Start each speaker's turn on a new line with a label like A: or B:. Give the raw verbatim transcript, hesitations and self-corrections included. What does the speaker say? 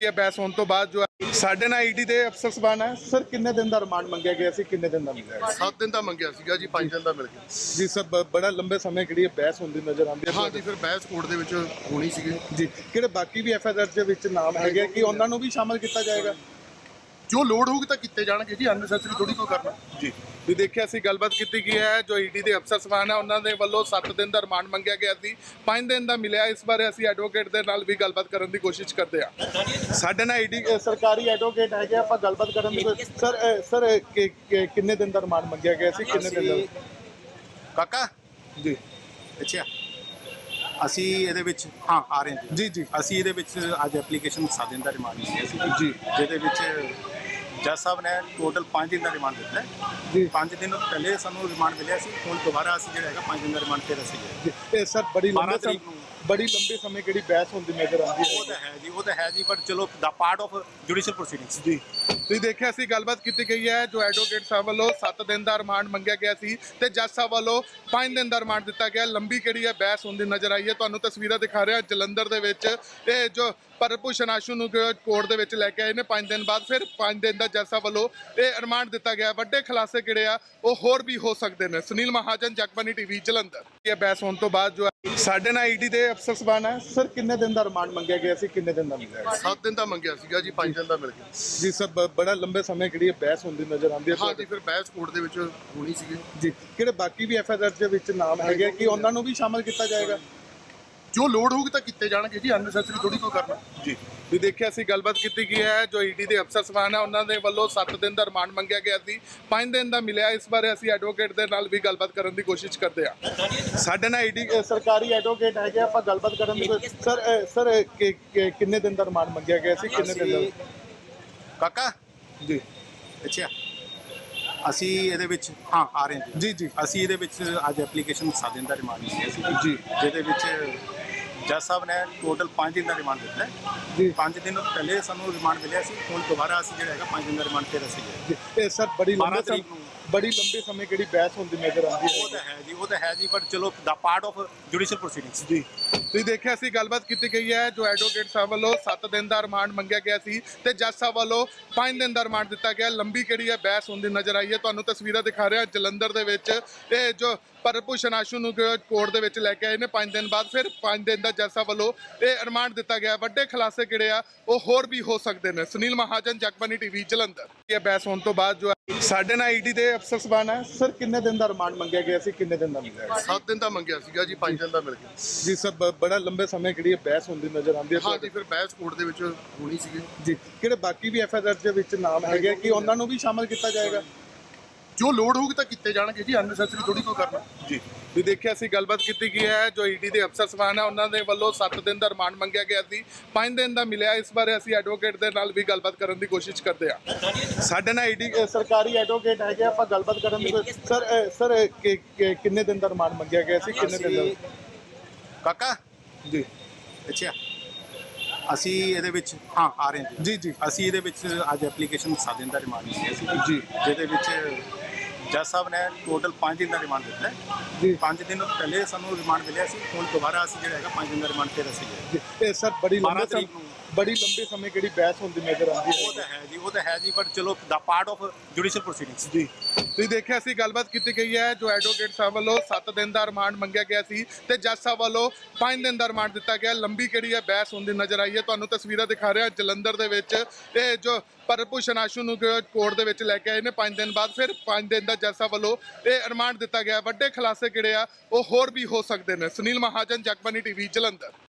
A: ਇਹ ਬਹਿਸ ਹੋਣ ਤੋਂ ਬਾਅਦ ਜੋ ਹੈ ਸਾਡੇ ਨਾਲ ਈਡੀ ਦੇ ਅਫਸਰ ਸਬਾਨ ਹੈ ਸਰ ਕਿੰਨੇ ਦਿਨ ਦਾ ਰਿਮਾਂਡ ਮੰਗਿਆ ਗਿਆ ਸੀ ਕਿੰਨੇ ਦਿਨ ਦਾ ਮਿਲਿਆ
B: ਸੱਤ ਦਿਨ ਦਾ ਮੰਗਿਆ ਸੀਗਾ ਜੀ ਪੰਜ ਦਿਨ ਦਾ ਮਿਲ ਗਿਆ
A: ਜੀ ਸਰ ਬ- ਬੜਾ ਲੰਬੇ ਸਮੇਂ ਕਿਹੜੀ ਇਹ ਬਹਿਸ ਹੁੰਦੀ ਨਜ਼ਰ ਆਉਂਦੀ ਹੈ
B: ਹਾਂ ਜੀ ਫਿਰ ਬਹਿਸ ਕੋਰਟ ਦੇ ਵਿੱਚ ਹੋਣੀ ਸੀਗੀ
A: ਜੀ ਕਿਹੜੇ ਬਾਕੀ ਵੀ ਐਫ ਆਈ ਆਰ ਦੇ ਵਿੱਚ ਨਾਮ ਹੈਗੇ ਕਿ ਉਹਨਾਂ ਨੂੰ ਵੀ ਸ਼ਾਮਲ ਕੀਤਾ ਜਾਏਗਾ
B: ਜੋ ਲੋੜ ਹੋਊਗੀ ਤਾਂ ਕੀਤੇ ਜਾਣਗੇ ਜੀ ਅਨਨੈਸੈਸਰੀ ਥੋੜੀ ਕੋਈ ਕਰਨਾ
A: ਜੀ ਵੀ ਦੇਖਿਆ ਸੀ ਗੱਲਬਾਤ ਕੀਤੀ ਗਈ ਹੈ ਜੋ ਈਡੀ ਦੇ ਅਫਸਰ ਸਬਾਨ ਹੈ ਉਹਨਾਂ ਦੇ ਵੱਲੋਂ ਸੱਤ ਦਿਨ ਦਾ ਰਿਮਾਂਡ ਮੰਗਿਆ ਗਿਆ ਸੀ ਪੰਜ ਦਿਨ ਦਾ ਮਿਲਿਆ ਇਸ ਬਾਰੇ ਅਸੀਂ ਐਡਵੋਕੇਟ ਦੇ ਨਾਲ ਵੀ ਗੱਲਬਾਤ ਕਰਨ ਦੀ ਕੋਸ਼ਿਸ਼ ਕਰਦੇ ਹਾਂ ਸਾਡੇ ਨਾਲ ਈਡੀ ਸਰਕਾਰੀ ਐਡਵੋਕੇਟ ਹੈਗੇ ਆਪਾਂ ਗੱਲਬਾਤ ਕਰਨ ਦੀ ਕੋਸ਼ਿਸ਼- ਸਰ ਅ, ਸਰ ਅ, ਕਿ- ਕਿ- ਕਿੰਨੇ ਦਿਨ ਦਾ ਰਿਮਾਂਡ ਮੰਗਿਆ ਗਿਆ ਸੀ ਕਿੰਨੇ ਦਿਨ ਦਾ
C: ਕਾਕਾ
A: ਜੀ
C: ਅੱਛਾ ਅਸੀਂ ਇਹਦੇ ਵਿੱਚ ਹਾਂ ਆ ਰਹੇ ਹਾਂ
A: ਜੀ ਜੀ
C: ਅਸੀਂ ਇਹਦੇ ਵਿੱਚ ਅੱਜ ਐਪਲੀਕੇਸ਼ਨ ਸੱਤ ਦਿਨ ਦਾ ਰਿਮਾਂਡ ਲਿਆ ਸੀ
A: ਜੀ
C: ਜਿਹਦੇ ਵਿੱਚ ਜੱਜ ਸਾਹਿਬ ਨੇ ਟੋਟਲ ਪੰਜ ਦਿਨ ਦਾ ਰਿਮਾਂਡ ਦਿੱਤਾ ਹੈ
A: ਜੀ
C: ਪੰਜ ਦਿਨ ਪਹਿਲੇ ਸਾਨੂੰ ਰਿਮਾਂਡ ਮਿਲਿਆ ਸੀ ਹੁਣ ਦੁਬਾਰਾ ਅਸੀਂ ਜਿਹੜਾ ਹੈਗਾ ਪੰਜ ਦਿਨ ਦਾ ਰਿਮਾਂਡ ਫਿਰ ਅਸੀਂ ਲਿਆ
A: ਜੀ ਇਹ ਸਰ ਬੜੀ ਲੰਬੇ
C: ਬਾਰਾਂ
A: ਸਮੇਂ
C: ਤਰੀਕ ਨੂੰ।
A: ਬੜੀ ਲੰਬੇ ਸਮੇਂ ਕਿਹੜੀ ਬਹਿਸ ਹੁੰਦੀ ਨਜ਼ਰ ਆਉਂਦੀ
C: ਉਹ
A: ਹੈ
C: ਤਾਂ ਹੈ ਜੀ ਉਹ ਤਾਂ ਹੈ ਜੀ ਪਰ ਚਲੋ ਦਾ ਪਾਰਟ ਆਫ ਜੁਡੀਸ਼ੀਅਲ ਪ੍ਰੋਸੀਡਿੰਗਸ
A: ਜੀ ਤੁਸੀਂ ਦੇਖਿਆ ਸੀ ਗੱਲਬਾਤ ਕੀਤੀ ਗਈ ਹੈ ਜੋ ਐਡਵੋਕੇਟ ਸਾਹਿਬ ਵੱਲੋਂ ਸੱਤ ਦਿਨ ਦਾ ਰਿਮਾਂਡ ਮੰਗਿਆ ਗਿਆ ਸੀ ਤੇ ਜੱਜ ਸਾਹਿਬ ਵੱਲੋਂ ਪੰਜ ਦਿਨ ਦਾ ਰਿਮਾਂਡ ਦਿੱਤਾ ਗਿਆ ਲੰਬੀ ਕਿਹੜੀ ਹੈ ਬਹਿਸ ਹੁੰਦੀ ਨਜ਼ਰ ਆਈ ਹੈ ਤੁਹਾਨੂੰ ਤਸਵੀਰਾਂ ਦਿਖਾ ਰਿਹਾ ਜਲੰਧਰ ਦੇ ਵਿੱਚ ਇਹ ਜੋ ਪਰਭੂਸ਼ਣ ਆਸ਼ੂ ਨੂੰ ਕੋਰਟ ਦੇ ਵਿੱਚ ਲੈ ਕੇ ਆਏ ਨੇ ਪੰਜ ਦਿਨ ਬਾਅਦ ਫਿਰ ਪੰਜ ਦਿਨ ਦਾ ਜੱਜ ਸਾਹਿਬ ਵੱਲੋਂ ਇਹ ਰਿਮਾਂਡ ਦਿੱਤਾ ਗਿਆ ਵੱਡੇ ਖੁਲਾਸੇ ਕਿਹੜੇ ਆ ਉਹ ਹੋਰ ਵੀ ਹੋ ਸਕਦੇ ਨੇ ਸੁਨੀਲ ਮਹਾਜਨ ਜਗਬਾਨੀ ਟੀਵੀ ਜਲੰਧਰ ਇਹ ਬਹਿਸ ਹੋਣ ਤੋਂ ਬਾਅਦ ਜੋ ਹੈ ਸਾਡੇ ਨਾਲ ਈਡੀ ਦੇ ਅਫਸਰ ਸਬਾਨ ਹੈ ਸਰ ਕਿੰਨੇ ਦਿਨ ਦਾ ਰਿਮਾਂਡ ਮੰਗਿਆ ਗਿਆ ਸੀ ਕਿੰਨੇ ਦਿਨ ਦਾ ਮਿਲਿਆ
B: ਸੱਤ ਦਿਨ ਦਾ ਮੰਗਿਆ ਸੀਗਾ ਜੀ ਪੰਜ ਦਿਨ ਦਾ ਮਿਲ ਗਿਆ
A: ਜੀ ਸਰ ਬ- ਬੜਾ ਲੰਬੇ ਸਮੇਂ ਕਿਹੜੀ ਇਹ ਬਹਿਸ ਹੁੰਦੀ ਨਜ਼ਰ ਆਉਂਦੀ ਹੈ
B: ਹਾਂ ਜੀ ਫਿਰ ਬਹਿਸ ਕੋਰਟ ਦੇ ਵਿੱਚ ਹੋਣੀ ਸੀਗੀ
A: ਜੀ ਕਿਹੜੇ ਬਾਕੀ ਵੀ ਐਫ ਆਈ ਆਰ ਦੇ ਵਿੱਚ ਨਾਮ ਹੈਗੇ ਕਿ ਉਹਨਾਂ ਨੂੰ ਵੀ ਸ਼ਾਮਲ ਕੀਤਾ ਜਾਏਗਾ
B: ਜੋ ਲੋੜ ਹੋਊਗੀ ਤਾਂ ਕੀਤੇ ਜਾਣਗੇ ਜੀ ਅਨਨੈਸੈਸਰੀ ਥੋੜੀ ਕੋਈ ਕਰਨਾ
A: ਜੀ ਵੀ ਦੇਖਿਆ ਸੀ ਗੱਲਬਾਤ ਕੀਤੀ ਗਈ ਹੈ ਜੋ ਈਡੀ ਦੇ ਅਫਸਰ ਸਬਾਨ ਹੈ ਉਹਨਾਂ ਦੇ ਵੱਲੋਂ ਸੱਤ ਦਿਨ ਦਾ ਰਿਮਾਂਡ ਮੰਗਿਆ ਗਿਆ ਸੀ ਪੰਜ ਦਿਨ ਦਾ ਮਿਲਿਆ ਇਸ ਬਾਰੇ ਅਸੀਂ ਐਡਵੋਕੇਟ ਦੇ ਨਾਲ ਵੀ ਗੱਲਬਾਤ ਕਰਨ ਦੀ ਕੋਸ਼ਿਸ਼ ਕਰਦੇ ਹਾਂ ਸਾਡੇ ਨਾਲ ਈਡੀ ਸਰਕਾਰੀ ਐਡਵੋਕੇਟ ਹੈਗੇ ਆਪਾਂ ਗੱਲਬਾਤ ਕਰਨ ਦੀ ਕੋਸ਼ਿਸ਼- ਸਰ ਅ, ਸਰ ਅ, ਕਿ- ਕਿ- ਕਿੰਨੇ ਦਿਨ ਦਾ ਰਿਮਾਂਡ ਮੰਗਿਆ ਗਿਆ ਸੀ ਕਿੰਨੇ ਦਿਨ ਦਾ
C: ਕਾਕਾ
A: ਜੀ
C: ਅੱਛਾ ਅਸੀਂ ਇਹਦੇ ਵਿੱਚ ਹਾਂ ਆ ਰਹੇ ਹਾਂ
A: ਜੀ ਜੀ
C: ਅਸੀਂ ਇਹਦੇ ਵਿੱਚ ਅੱਜ ਐਪਲੀਕੇਸ਼ਨ ਸੱਤ ਦਿਨ ਦਾ ਰਿਮਾਂਡ ਲਿਆ ਸੀ
A: ਜੀ
C: ਜਿਹਦੇ ਵਿੱਚ ਜੱਜ ਸਾਹਿਬ ਨੇ ਟੋਟਲ ਪੰਜ ਦਿਨ ਦਾ ਰਿਮਾਂਡ ਦਿੱਤਾ ਹੈ
A: ਜੀ
C: ਪੰਜ ਦਿਨ ਪਹਿਲੇ ਸਾਨੂੰ ਰਿਮਾਂਡ ਮਿਲਿਆ ਸੀ ਹੁਣ ਦੁਬਾਰਾ ਅਸੀਂ ਜਿਹੜਾ ਹੈਗਾ ਪੰਜ ਦਿਨ ਦਾ ਰਿਮਾਂਡ ਫਿਰ ਅਸੀਂ ਲਿਆ
A: ਜੀ ਇਹ ਸਰ ਬੜੀ ਲੰਬੇ
C: ਬਾਰਾਂ ਤਰੀਕ
A: ਸਮੇਂ
C: ਨੂੰ।
A: ਬੜੀ ਲੰਬੇ ਸਮੇਂ ਕਿਹੜੀ ਬਹਿਸ ਹੁੰਦੀ ਨਜ਼ਰ ਆਉਂਦੀ
C: ਉਹ
A: ਹੈ
C: ਤਾਂ ਹੈ ਜੀ ਉਹ ਤਾਂ ਹੈ ਜੀ ਪਰ ਚਲੋ ਦਾ ਪਾਰਟ ਆਫ ਜੁਡੀਸ਼ੀਅਲ ਪ੍ਰੋਸੀਡਿੰਗਸ
A: ਜੀ ਤੁਸੀਂ ਦੇਖਿਆ ਸੀ ਗੱਲਬਾਤ ਕੀਤੀ ਗਈ ਹੈ ਜੋ ਐਡਵੋਕੇਟ ਸਾਹਿਬ ਵੱਲੋਂ ਸੱਤ ਦਿਨ ਦਾ ਰਿਮਾਂਡ ਮੰਗਿਆ ਗਿਆ ਸੀ ਤੇ ਜੱਜ ਸਾਹਿਬ ਵੱਲੋਂ ਪੰਜ ਦਿਨ ਦਾ ਰਿਮਾਂਡ ਦਿੱਤਾ ਗਿਆ ਲੰਬੀ ਕਿਹੜੀ ਹੈ ਬਹਿਸ ਹੁੰਦੀ ਨਜ਼ਰ ਆਈ ਹੈ ਤੁਹਾਨੂੰ ਤਸਵੀਰਾਂ ਦਿਖਾ ਰਿਹਾ ਜਲੰਧਰ ਦੇ ਵਿੱਚ ਇਹ ਜੋ ਪਰਭੂਸ਼ਣ ਆਸ਼ੂ ਨੂੰ ਕੋਰਟ ਦੇ ਵਿੱਚ ਲੈ ਕੇ ਆਏ ਨੇ ਪੰਜ ਦਿਨ ਬਾਅਦ ਫਿਰ ਪੰਜ ਦਿਨ ਦਾ ਜੱਜ ਸਾਹਿਬ ਵੱਲੋਂ ਇਹ ਰਿਮਾਂਡ ਦਿੱਤਾ ਗਿਆ ਵੱਡੇ ਖੁਲਾਸੇ ਕਿਹੜੇ ਆ ਉਹ ਹੋਰ ਵੀ ਹੋ ਸਕਦੇ ਨੇ ਸੁਨੀਲ ਮਹਾਜਨ ਜਗਬਾਨੀ ਟੀਵੀ ਜਲੰਧਰ ਇਹ ਬਹਿਸ ਹੋਣ ਤੋਂ ਬਾਅਦ ਜੋ ਹੈ ਸਾਡੇ ਨਾਲ ਈਡੀ ਦੇ ਅਫਸਰ ਸਬਾਨ ਹੈ ਸਰ ਕਿੰਨੇ ਦਿਨ ਦਾ ਰਿਮਾਂਡ ਮੰਗਿਆ ਗਿਆ ਸੀ ਕਿੰਨੇ ਦਿਨ ਦਾ ਮਿਲਿਆ
B: ਸੱਤ ਦਿਨ ਦਾ ਮੰਗਿਆ ਸੀਗਾ ਜੀ ਪੰਜ ਦਿਨ ਦਾ ਮਿਲ ਗਿਆ
A: ਜੀ ਸਰ ਬ- ਬੜਾ ਲੰਬੇ ਸਮੇਂ ਕਿਹੜੀ ਇਹ ਬਹਿਸ ਹੁੰਦੀ ਨਜ਼ਰ ਆਉਂਦੀ
B: ਹਾਂ
A: ਹੈ
B: ਜੀ ਫਿਰ ਬਹਿਸ ਕੋਰਟ ਦੇ ਵਿੱਚ ਹੋਣੀ ਸੀਗੀ
A: ਜੀ ਕਿਹੜੇ ਬਾਕੀ ਵੀ ਐਫ ਆਈ ਆਰ ਦੇ ਵਿੱਚ ਨਾਮ ਹੈਗੇ ਕਿ ਉਹਨਾਂ ਨੂੰ ਵੀ ਸ਼ਾਮਲ ਕੀਤਾ ਜਾਏਗਾ
B: ਜੋ ਲੋੜ ਹੋਊਗੀ ਤਾਂ ਕੀਤੇ ਜਾਣਗੇ ਜੀ ਅਨਨੈਸੈਸਰੀ ਥੋੜੀ ਕੋਈ ਕਰਨਾ
A: ਜੀ ਵੀ ਦੇਖਿਆ ਸੀ ਗੱਲਬਾਤ ਕੀਤੀ ਗਈ ਹੈ ਜੋ ਈਡੀ ਦੇ ਅਫਸਰ ਸਬਾਨ ਹੈ ਉਹਨਾਂ ਦੇ ਵੱਲੋਂ ਸੱਤ ਦਿਨ ਦਾ ਰਿਮਾਂਡ ਮੰਗਿਆ ਗਿਆ ਸੀ ਪੰਜ ਦਿਨ ਦਾ ਮਿਲਿਆ ਇਸ ਬਾਰੇ ਅਸੀਂ ਐਡਵੋਕੇਟ ਦੇ ਨਾਲ ਵੀ ਗੱਲਬਾਤ ਕਰਨ ਦੀ ਕੋਸ਼ਿਸ਼ ਕਰਦੇ ਹਾਂ ਸਾਡੇ ਨਾਲ ਈਡੀ ਸਰਕਾਰੀ ਐਡਵੋਕੇਟ ਹੈਗੇ ਆਪਾਂ ਗੱਲਬਾਤ ਕਰਨ ਦੀ ਕੋਸ਼ਿਸ਼- ਸਰ ਅ, ਸਰ ਅ, ਕਿ- ਕਿ- ਕਿੰਨੇ ਦਿਨ ਦਾ ਰਿਮਾਂਡ ਮੰਗਿਆ ਗਿਆ ਸੀ ਕਿੰਨੇ ਦਿਨ ਦਾ
C: ਕਾਕਾ
A: ਜੀ
C: ਅੱਛਾ ਅਸੀਂ ਇਹਦੇ ਵਿੱਚ ਹਾਂ ਆ ਰਹੇ ਹਾਂ
A: ਜੀ ਜੀ
C: ਅਸੀਂ ਇਹਦੇ ਵਿੱਚ ਅੱਜ ਐਪਲੀਕੇਸ਼ਨ ਸੱਤ ਦਿਨ ਦਾ ਰਿਮਾਂਡ ਲਿਆ ਸੀ
A: ਜੀ
C: ਜਿਹਦੇ ਵਿੱਚ ਜੱਜ ਸਾਹਿਬ ਨੇ ਟੋਟਲ ਪੰਜ ਦਿਨ ਦਾ ਰਿਮਾਂਡ ਦਿੱਤਾ ਹੈ
A: ਜੀ
C: ਪੰਜ ਦਿਨ ਪਹਿਲੇ ਸਾਨੂੰ ਰਿਮਾਂਡ ਮਿਲਿਆ ਸੀ ਹੁਣ ਦੁਬਾਰਾ ਅਸੀਂ ਜਿਹੜਾ ਹੈਗਾ ਪੰਜ ਦਿਨ ਦਾ ਰਿਮਾਂਡ ਫਿਰ ਅਸੀਂ ਲਿਆ
A: ਜੀ ਇਹ ਸਰ ਬੜੀ
C: ਬਾਰਾਂ
A: ਲੰਬੇ
C: ਤਰੀਕ
A: ਸਮੇਂ
C: ਨੂੰ।
A: ਬੜੀ ਲੰਬੇ ਸਮੇਂ ਕਿਹੜੀ ਬਹਿਸ ਹੁੰਦੀ ਨਜ਼ਰ ਆਉਂਦੀ
C: ਉਹ
A: ਹੈ
C: ਤਾਂ ਹੈ ਜੀ ਉਹ ਤਾਂ ਹੈ ਜੀ ਪਰ ਚਲੋ ਦਾ ਪਾਰਟ ਆਫ ਜੁਡੀਸ਼ੀਅਲ ਪ੍ਰੋਸੀਡਿੰਗਸ
A: ਜੀ ਤੁਸੀਂ ਦੇਖਿਆ ਸੀ ਗੱਲਬਾਤ ਕੀਤੀ ਗਈ ਹੈ ਜੋ ਐਡਵੋਕੇਟ ਸਾਹਿਬ ਵੱਲੋਂ ਸੱਤ ਦਿਨ ਦਾ ਰਿਮਾਂਡ ਮੰਗਿਆ ਗਿਆ ਸੀ ਤੇ ਜੱਜ ਸਾਹਿਬ ਵੱਲੋਂ ਪੰਜ ਦਿਨ ਦਾ ਰਿਮਾਂਡ ਦਿੱਤਾ ਗਿਆ ਲੰਬੀ ਕਿਹੜੀ ਹੈ ਬਹਿਸ ਹੁੰਦੀ ਨਜ਼ਰ ਆਈ ਹੈ ਤੁਹਾਨੂੰ ਤਸਵੀਰਾਂ ਦਿਖਾ ਰਿਹਾ ਜਲੰਧਰ ਦੇ ਵਿੱਚ ਇਹ ਜੋ ਪਰਭੂਸ਼ਣ ਆਸ਼ੂ ਨੂੰ ਕੋਰਟ ਦੇ ਵਿੱਚ ਲੈ ਕੇ ਆਏ ਨੇ ਪੰਜ ਦਿਨ ਬਾਅਦ ਫਿਰ ਪੰਜ ਦਿਨ ਦਾ ਜੱਜ ਸਾਹਿਬ ਵੱਲੋਂ ਇਹ ਰਿਮਾਂਡ ਦਿੱਤਾ ਗਿਆ ਵੱਡੇ ਖੁਲਾਸੇ ਕਿਹੜੇ ਆ ਉਹ ਹੋਰ ਵੀ ਹੋ ਸਕਦੇ ਨੇ ਸੁਨੀਲ ਮਹਾਜਨ ਜਗਬਾਨੀ ਟੀਵੀ ਜਲੰਧਰ